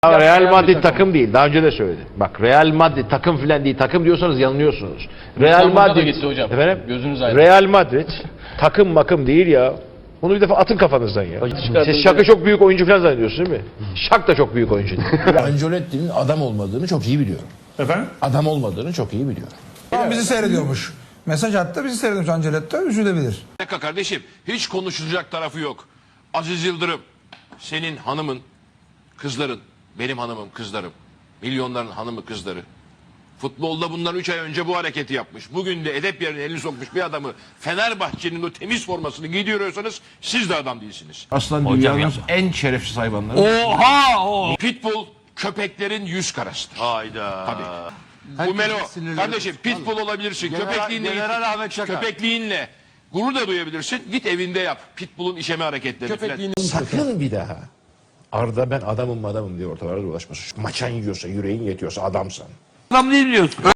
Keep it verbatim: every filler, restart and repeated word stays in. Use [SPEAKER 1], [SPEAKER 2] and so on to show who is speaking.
[SPEAKER 1] Ya Real Madrid takım değil. Daha önce de söyledim. Bak Real Madrid takım filan değil. Takım diyorsanız yanılıyorsunuz. Real Madrid
[SPEAKER 2] gitti hocam.
[SPEAKER 1] Efendim?
[SPEAKER 2] Gözünüz aydın.
[SPEAKER 1] Real Madrid takım makım değil ya. Bunu bir defa atın kafanızdan ya.
[SPEAKER 2] çıkartın
[SPEAKER 1] Siz Şak'ı çok büyük oyuncu falan zannediyorsunuz değil mi? Şak da çok büyük oyuncu değil.
[SPEAKER 3] Ancelotti'nin adam olmadığını çok iyi biliyorum.
[SPEAKER 4] Efendim?
[SPEAKER 3] Adam olmadığını çok iyi biliyorum.
[SPEAKER 4] Tamam, bizi seyrediyormuş. Mesaj attı, bizi seyrediyormuş Ancelotti. Üzülebilir.
[SPEAKER 5] Bir dakika kardeşim, hiç konuşulacak tarafı yok. Aziz Yıldırım, senin hanımın, kızların, benim hanımım, kızlarım, milyonların hanımı, kızları. Futbolda bundan üç ay önce bu hareketi yapmış. Bugün de edep yerine elini sokmuş bir adamı Fenerbahçe'nin o temiz formasını giydiriyorsanız siz de adam değilsiniz.
[SPEAKER 3] Aslan dünyanın en şerefsiz hayvanları.
[SPEAKER 5] Oha! O. Pitbull köpeklerin yüz karasıdır. Hayda. Tabii. Bu Melo, kardeşim pitbull olabilirsin. Köpekliğinle, köpekliğinle gurur da duyabilirsin. Git evinde yap. Pitbull'un işeme hareketlerini falan.
[SPEAKER 3] Sakın bir daha Arda ben adamım adamım diye ortalarda dolaşmasın. Maçan yiyorsa, yüreğin yetiyorsa adamsan.
[SPEAKER 6] Adam değil diyorsun.